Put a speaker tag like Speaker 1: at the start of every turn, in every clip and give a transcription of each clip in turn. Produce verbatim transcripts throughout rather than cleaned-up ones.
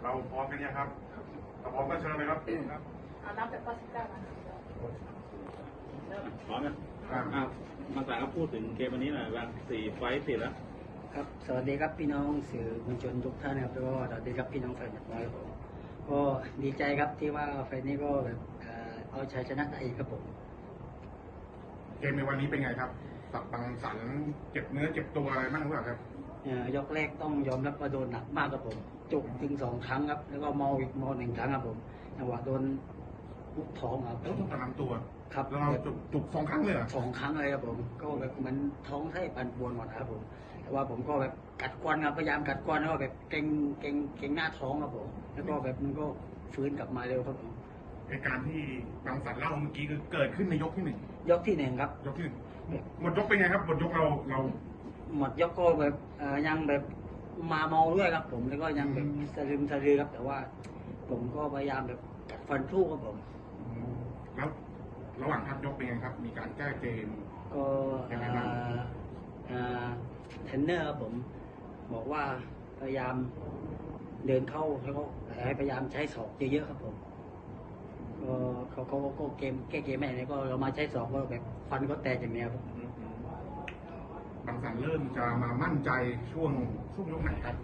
Speaker 1: เราพร้อมกันยังครับถ้าพร้อมก็เชิญเลยครับครับ
Speaker 2: เอานับจากข้อสิบเก้ามา
Speaker 3: พร้อมนะอ่ามาสายก็พูดถึงเกมวันนี้หน่อยว่าสี่ไฟต์ติดแล้ว
Speaker 4: ครับสวัสดีครับพี่น้องสื่อมวลชนทุกท่านครับแล้วก็สวัสดีครับพี่น้องแฟนบอลผมก็ดีใจครับที่ว่าไฟนี้ก็แบบเอาชัยชนะได้อีกครับผม
Speaker 1: เกมในวันนี้เป็นไงครับสับบังสันเจ็บเนื้อเจ็บตัวอะไรบ้างหรือเปล่าครับ
Speaker 4: ยกแรกต้องยอมรับว่าโดนหนักมากครับผมจุกถึงสองครั้งครับแล้วก็เมาอีกเมาหนึ่งครั้งครับผมจังหวะโดนลุกท้องครับ
Speaker 1: แล้วต้องกระลำตัว
Speaker 4: ครับ
Speaker 1: แล้วเราจุกจุกสองครั้งเลย
Speaker 4: สองครั้งเลยครับผมก็แบบเหมือนท้องไส้ปั่นป่วนหมดครับผมแต่ว่าผมก็แบบกัดกวนครับพยายามกัดกวนแล้วก็แบบเก่งเก่งเก่งหน้าท้องครับผมแล้วก็แบบมันก็ฟื้นกลับมาเร็วครับผม
Speaker 1: เหตุการณ์ที่บางสันเล่าเมื่อกี้คือเกิดขึ้นในยกที่หนึ่ง
Speaker 4: ยกที่หนึ่งครับ
Speaker 1: ยกที่หนึ่งหมดยกเป็นไงครับหมดยกเราเรา
Speaker 4: หมดยกก็แบบยังแบบมาเมาด้วยครับผมแล้วก็ยังแบบสะลืมสะลือครับแต่ว่าผมก็พยายามแบบกัดฟันสู้ครับผม
Speaker 1: แล้วระหว่างพักยกเป็นไงครับมีการแก้เกม
Speaker 4: ก็เทรนเนอร์ครับผมบอกว่าพยายามเดินเข้าแล้วก็พยายามใช้ศอกเยอะๆครับผมก็เขาเขาก็เกมแก้เกมไม่ได้ก็เรามาใช้ศอกก็แบบฟันก็แตกอย่างเนี้ยครับ
Speaker 1: บางสันเริ่มจะมามั่นใจช่วงช่วงยกไหนครับ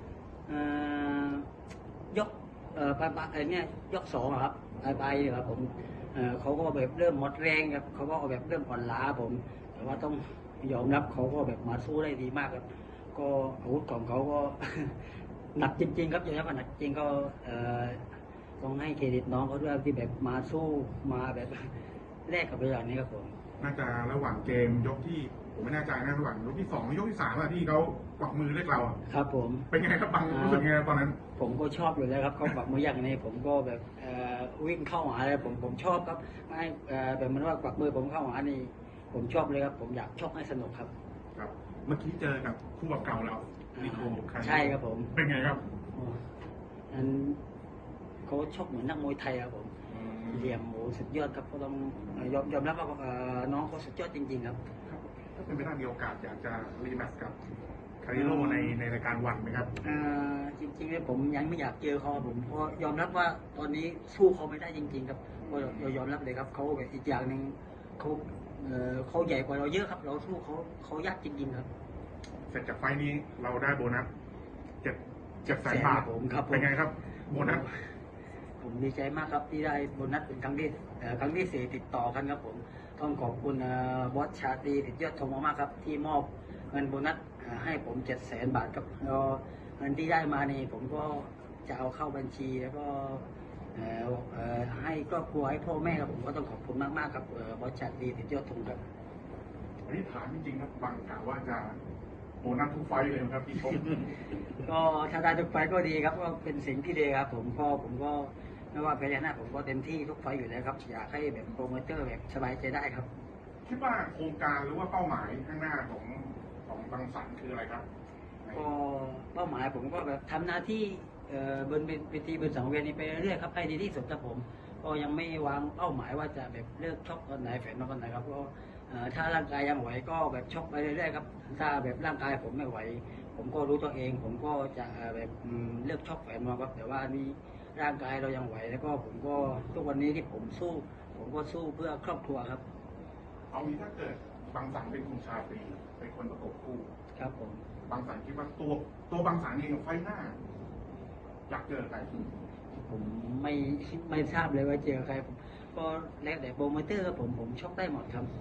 Speaker 4: ยกเอ่อปลายปลายเนี่ยยกสองครับปลายปลายครับผมเขาก็แบบเริ่มหมดแรงครับเขาก็แบบเริ่มอ่อนล้าผมแต่ว่าต้องยอมรับเขาก็แบบมาสู้ได้ดีมากครับก็อาวุธของเขาก็หนักจริงๆครับอย่างนี้ว่าหนักจริงก็ต้องให้เครดิตน้องเขาด้วยที่แบบมาสู้มาแบบแลกกับไปอย่างนี้ครับผม
Speaker 1: น่าจะระหว่างเกมยกที่ผมไม่แน่ใจนะระหว่างยกที่สองยกที่สามที่เขากวักมือเรียกเรา
Speaker 4: ครับผม
Speaker 1: เป็นไงครับบังรู้สึกไงตอนนั้น
Speaker 4: ผมก็ชอบอยู่แล้วครับเขากวักมืออย่างนี้ผมก็แบบวิ่งเข้าหาเลยผมผมชอบครับไม่แบบมันว่ากวักมือผมเข้าหานี่ผมชอบเลยครับผมอยากชกให้สนุกครับ
Speaker 1: ครับเมื่อกี้เจอกับคู่บักเก่าเรานิโค
Speaker 4: ใช่ครับผม
Speaker 1: เป็นไงครับ
Speaker 4: อันเขาชกเหมือนนักมวยไทยครับผมเหลี่ยมโหสุดยอดครับก็ต้องยอมยอมรับว่าน้องเขาสุดยอดจริงๆครับ
Speaker 1: ถ้าเป็นไปได้มีโอกาสอยากจะรีแมตช์กับคาริโร่ในในรายการวันไหมครับ
Speaker 4: จริงๆเนี่ยผมยังไม่อยากเจอเขาผมเพราะยอมรับว่าตอนนี้สู้เขาไม่ได้จริงๆครับก็ยอมรับเลยครับเขาแบบอีกอย่างหนึ่งเขาเขาใหญ่กว่าเราเยอะครับเราสู้เขาเขายากจริงๆครับ
Speaker 1: เสร็จจากไฟนี้เราได้โบนัสเจ็ดเจ็ดแสนบาท
Speaker 4: ผมครับ
Speaker 1: เป็นไงครับโบนัส
Speaker 4: ผมดีใจมากครับที่ได้โบนัสเป็นครั้งที่ครั้งที่สี่ติดต่อกันครับผมต้องขอบคุณบอสชาตรีติดยอดทองมากครับที่มอบเงินโบนัสให้ผมเจ็ดแสนบาทครับแล้วเงินที่ได้มานี่ผมก็จะเอาเข้าบัญชีแล้วก็ให้ครอบครัวให้พ่อแม่ครับผมก็ต้องขอบคุณมากมากครับบอสชาตรีติดยอดทองครับ
Speaker 1: อันนี้ถามจริงๆครับบางกล่าวว่าจะโบนัสทุกไฟเลยครับพี่ชม
Speaker 4: ก็ถ้าได้ทุกไฟก็ดีครับก็เป็นสิ่งที่ดีครับผมก็ผมก็ไม่ว่าแพ้ชนะผมก็เต็มที่ทุกไฟอยู่แล้วครับอยากให้แบบโปรโมเตอร์แบบสบายใจได้ครับ
Speaker 1: คิดว่าโครงการหรือว่าเป้าหมายข้างหน้าของของบางสันคืออะไรครับ
Speaker 4: ก็เป้าหมายผมก็แบบทำหน้าที่บนเวทีบนสังเวียนนี้ไปเรื่อยๆครับให้ดีที่สุดครับผมก็ยังไม่วางเป้าหมายว่าจะแบบเลิกชกตอนไหนแฝงมาตอนไหนครับก็ถ้าร่างกายยังไหวก็แบบชกไปเรื่อยๆครับถ้าแบบร่างกายผมไม่ไหวผมก็รู้ตัวเองผมก็จะแบบเลิกชกแฝงมาครับแต่ว่านี่ร่างกายเรายังไหวแล้วก็ผมก็ทุกวันนี้ที่ผมสู้ผมก็สู้เพื่อครอบครัวครับ
Speaker 1: เอางี้ถ้าเกิดบางสันเป็นคุณชาตรีเป็นคนประกบคู่
Speaker 4: ครับผม
Speaker 1: บางสันคิดว่าตัวตัวบางสันเองไฟหน้าอยากเจอใคร
Speaker 4: ผมไม่ไม่ทราบเลยว่าเจอใครผมก็แล้วแต่โปรโมเตอร์ครับผมผมชกได้หมดครับ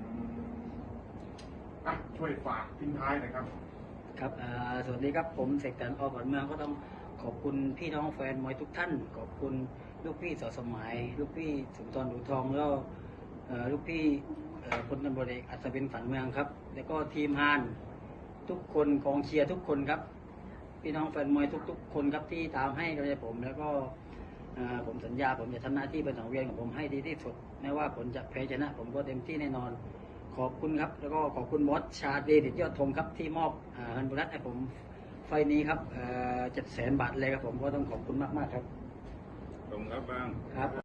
Speaker 1: อ่ะช่วยฝากทิ้งท้ายหน่อยครับ
Speaker 4: ครับสวัสดีครับผมเสกสรร อ.ขวัญเมืองก็ต้องขอบคุณพี่น้องแฟนมวยทุกท่านขอบคุณลูกพี่สอสมัยลูกพี่สุนทรดูทองแล้วลูกพี่พลตำรวจเอกอัศวินฝันเมืองครับแล้วก็ทีมฮานทุกคนกองเชียร์ทุกคนครับพี่น้องแฟนมวยทุกๆคนครับที่ตามให้กำลังใจผมแล้วก็ผมสัญญาผมจะทำหน้าที่เป็นสังเวียนของผมให้ดีที่สุดไม่ว่าผลจะแพ้ชนะผมก็เต็มที่แน่นอนขอบคุณครับแล้วก็ขอบคุณบอสชาเดชยอดธงครับที่มอบเงินโบนัสให้ผมไฟนี้ครับเจ็ดแสนบาทเลยครับผมก็ต้องขอบคุณมากๆครับ
Speaker 3: ขอบคุณครับบ้าง
Speaker 4: ครับ